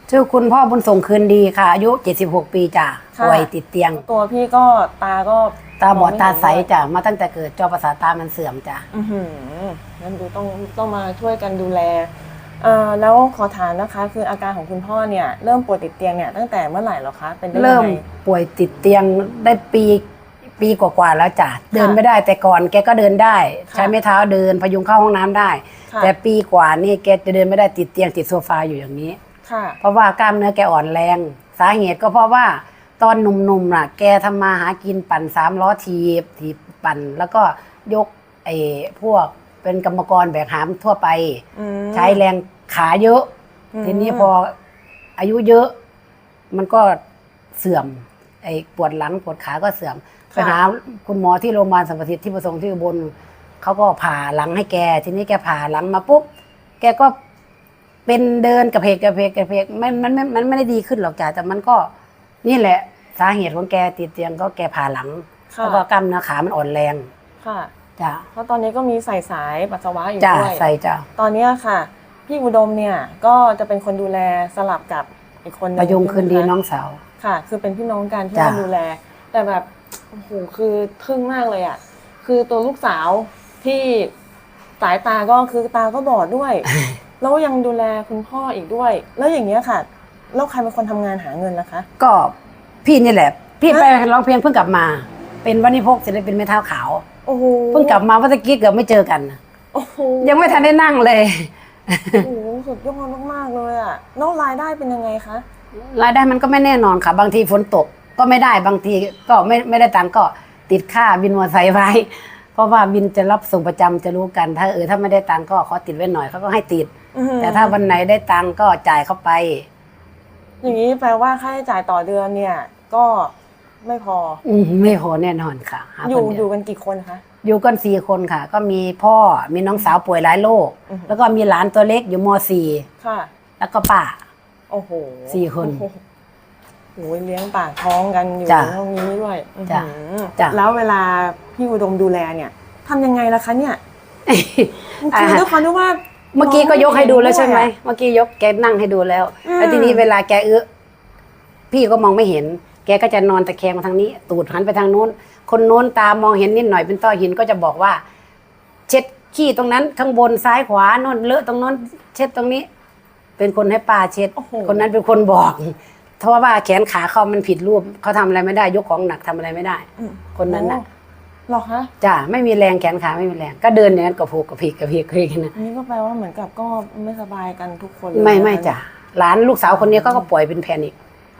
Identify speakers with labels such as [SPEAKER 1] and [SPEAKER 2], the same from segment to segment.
[SPEAKER 1] ชื่อคุณพ่อบุญส่งคืนดีค่ะอายุ76 ปีจ้ะป่วยติดเตียง
[SPEAKER 2] ตัวพี่ก็ตา
[SPEAKER 1] บอดตาใสจ้ะมาตั้งแต่เกิดจอประสาทตามันเสื่อมจ้ะ
[SPEAKER 2] งั้นดูต้องมาช่วยกันดูแลแล้วขอถามนะคะคืออาการของคุณพ่อเนี่ยเริ่มป่วยติดเตียงเนี่ยตั้งแต่เมื่อไหร่หรอคะเป็นได้ยังไง
[SPEAKER 1] เริ่มป่วยติดเตียงได้ปีกว่าๆแล้วจ้ะเดินไม่ได้แต่ก่อนแกก็เดินได้ใช้ไม้เท้าเดินพยุงเข้าห้องน้ำได้แต่ปีกว่านี่แกจะเดินไม่ได้ติดเตียงติดโซฟาอยู่อย่างนี้เพราะว่ากล้ามเนื้อแกอ่อนแรงสาเหตุก็เพราะว่าตอนหนุ่มๆน่ะแกทำมาหากินปั่น3 ล้อถีบปั่นแล้วก็ยกพวกเป็นกรรมกรแบกหามทั่วไปใช้แรงขาเยอะทีนี้พออายุเยอะมันก็เสื่อมปวดหลังปวดขาก็เสื่อมไปหาคุณหมอที่โรงพยาบาลสรรพสิทธิ์ที่ประสงค์ที่อุบลเขาก็ผ่าหลังให้แกทีนี้แกผ่าหลังมาปุ๊บแกก็เป็นเดินกระเพกมันไม่ได้ดีขึ้นหรอกจ้ะแต่มันก็นี่แหละสาเหตุของแกติดเตียงก็แกผ่าหลังแล้วก็กล้ามเนื้อขามันอ่อนแรง
[SPEAKER 2] ค่ะ
[SPEAKER 1] จ้ะ
[SPEAKER 2] เพราะตอนนี้ก็มีใส่สายปัสสาวะอยู่ด้วย
[SPEAKER 1] ใส่จ้ะ
[SPEAKER 2] ตอนนี้ค่ะพี่อุดมเนี่ยก็จะเป็นคนดูแลสลับกับอีกคนนึง
[SPEAKER 1] ประยุงคืนดีน้องสาว
[SPEAKER 2] ค่ะคือเป็นพี่น้องกันที่มาดูแลแต่แบบโอ้โหคือทึ่งมากเลยอ่ะคือตัวลูกสาวที่สายตาก็คือตาก็บอดด้วยแล้วยังดูแลคุณพ่ออีกด้วยแล้วอย่างเงี้ยค่ะแล้วใครเป็นคนทำงานหาเงินล่ะคะ
[SPEAKER 1] ก็พี่นี่แหละพี่ไปร้องเพลงเพิ่งกลับมาเป็นวันิพกศิลปินไม้เท้าขาว
[SPEAKER 2] โอ้โห
[SPEAKER 1] เพิ่งกลับมาเมื่อกี้เกือบไม่เจอกัน
[SPEAKER 2] โอ้โห
[SPEAKER 1] ยังไม่ทันได้นั่งเลย
[SPEAKER 2] โอ้โหสุดยอดมากๆเลยอ่ะนอกรายได้เป็นยังไงคะ
[SPEAKER 1] รายได้มันก็ไม่แน่นอนค่ะบางทีฝนตกก็ไม่ได้บางทีก็ไม่ได้ตังค์ก็ติดค่าบินมอเตอร์ไซค์ไว้เพราะว่าบินจะรับส่งประจำจะรู้กันถ้าไม่ได้ตังค์ก็ขอติดไว้หน่อยเขาก็ให้ติดแต่ถ้าวันไหนได้ตังค์ก็จ่ายเข้าไป
[SPEAKER 2] อย่างนี้แปลว่าค่าใช้จ่ายต่อเดือนเนี่ยก็ไม่พอ
[SPEAKER 1] ไม่พอแน่นอนค่ะ
[SPEAKER 2] อยู่กันกี่คนคะ
[SPEAKER 1] อยู่กัน4 คนค่ะก็มีพ่อมีน้องสาวป่วยหลายโรคแล้วก็มีหลานตัวเล็กอยู่ม.4
[SPEAKER 2] ค่ะ
[SPEAKER 1] แล้วก็ป้า
[SPEAKER 2] โอ้โห
[SPEAKER 1] 4 คน
[SPEAKER 2] โอ้ยเลี้ยงปากท้องกันอยู่ตรงนี้ด้วยแล้วเวลาพี่อุดมดูแลเนี่ยทำยังไงล่ะคะเนี่ยคือด้วยความที่ว่า
[SPEAKER 1] เมื่อกี้ก็ยกให้ดูแล้วใช่ไหมเมื่อกี้ยกแกนั่งให้ดูแล้วแล้วทีนี้เวลาแกพี่ก็มองไม่เห็นแกก็จะนอนตะแคงมาทางนี้ตูดหันไปทางโน้นคนโน้นตามองเห็นนิดหน่อยเป็นต้อหินก็จะบอกว่าเช็ดขี้ตรงนั้นข้างบนซ้ายขวาโน้นเลอะตรงโน้นเช็ดตรงนี้เป็นคนให้ป้าเช็ดคนนั้นเป็นคนบอกเพราะว่าแขนขาเขามันผิดรูปเขาทำอะไรไม่ได้ยกของหนักทำอะไรไม่ได้คนนั้นน่ะ
[SPEAKER 2] หรอคะ
[SPEAKER 1] จ้ะไม่มีแรงแขนขาไม่มีแรงก็เดินอย่างนั้นกระโผกกระเพกนะ
[SPEAKER 2] นี่ก็แปลว่าเหมือนกับก็ไม่สบายกันทุกคน
[SPEAKER 1] ไม่จ้ะหลานลูกสาวคนนี้ก็ป่วยเป็นแพนิค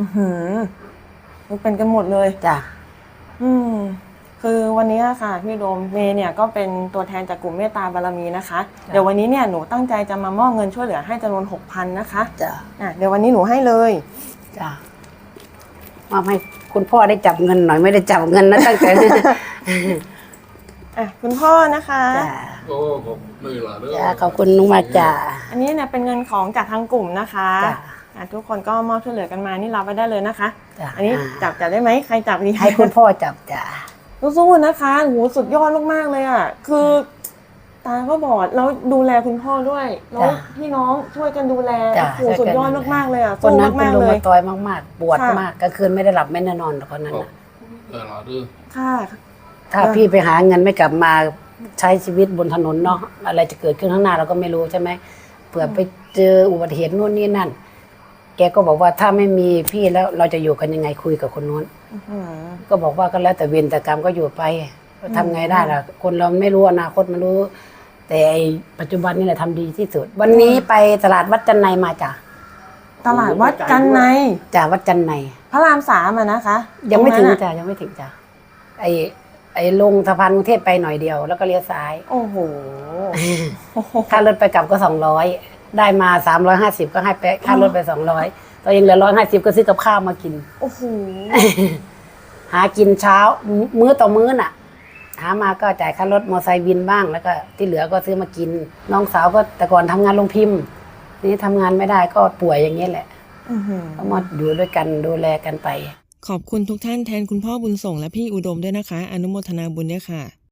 [SPEAKER 2] เป็นกันหมดเลย
[SPEAKER 1] จ้ะ
[SPEAKER 2] คือวันนี้ค่ะพี่โดมเมย์เนี่ยก็เป็นตัวแทนจากกลุ่มเมตตาบารมีนะคะเดี๋ยววันนี้เนี่ยหนูตั้งใจจะมามอบเงินช่วยเหลือให้จำนวน 6,000 นะคะ
[SPEAKER 1] จ้ะ
[SPEAKER 2] เดี๋ยววันนี้หนูให้เลย
[SPEAKER 1] จ้ะมอบให้คุณพ่อได้จับเงินหน่อยไม่ได้จับเงินนะตั้งแต่
[SPEAKER 2] คุณพ่อนะคะ
[SPEAKER 3] โอ้ขอบคุณหลาย
[SPEAKER 1] จ้ะขอบคุณนุมาจ้ะ
[SPEAKER 2] อันนี้เนี่ยเป็นเงินของจากทางกลุ่มนะคะทุกคนก็มอบช่วยเหลือกันมานี่รับไปได้เลยนะคะอันนี้จับได้ไหมใครจับดี
[SPEAKER 1] ให้คุณพ่อจับจ้ะ
[SPEAKER 2] สู้ๆนะคะโหสุดยอดมากๆเลยอ่ะคือตาก็บอดแล้วดูแลคุณพ่อด้วยแล้วพี่น้องช่วยกันดูแลโหสุดยอดมากๆเลยอ่ะ
[SPEAKER 1] คนนั้นเป็นลมตอยมากๆปวดมากกลางคืนไม่ได้หลับไม่ได้นอนคนนั้นนะ
[SPEAKER 2] ค่ะ
[SPEAKER 1] ถ้าพี่ไปหาเงินไม่กลับมาใช้ชีวิตบนถนนเนาะอะไรจะเกิดขึ้นข้างหน้าเราก็ไม่รู้ใช่ไหมเผื่อไปเจออุบัติเหตุนู่นนี่นั่นแกก็บอกว่าถ้าไม่มีพี่แล้วเราจะอยู่กันยังไงคุยกับคนนู้นก็บอกว่าก็แล้วแต่เวรแต่กรรมก็อยู่ไปทำไงได้ล่ะคนเราไม่รู้อนาคตมันรู้ แต่ปัจจุบันนี่แหละทำดีที่สุดวันนี้ไปตลาดวัดจันไนมาจ้ะ
[SPEAKER 2] ตลาดวัดจันไน
[SPEAKER 1] จ้ะวัดจันไน
[SPEAKER 2] พระราม3นะคะ
[SPEAKER 1] ยังไม่ถึงจ้ะยังไม่ถึงจ้ะลงสะพานกรุงเทพไปหน่อยเดียวแล้วก็เลี้ยวซ้าย
[SPEAKER 2] โอ้โห
[SPEAKER 1] ค่ารถไปกลับก็200ได้มา350ก็ให้ไปค่ารถไป200ตอนยังเหลือ150ก็ซื้อกับข้าวมากิน
[SPEAKER 2] โอ้โห
[SPEAKER 1] หากินเช้ามื้อต่อมื้อน่ะหามาก็จ่ายค่ารถมอไซค์บินบ้างแล้วก็ที่เหลือก็ซื้อมากินน้องสาวก็แต่ก่อนทำงานโรงพิมพ์นี่ทำงานไม่ได้ก็ป่วยอย่างนี้แหละก็มาอยู่ด้วยกันดูแลกันไป
[SPEAKER 2] ขอบคุณทุกท่านแทนคุณพ่อบุญส่งและพี่อุดมด้วยนะคะอนุโมทนาบุญด้วยค่ะ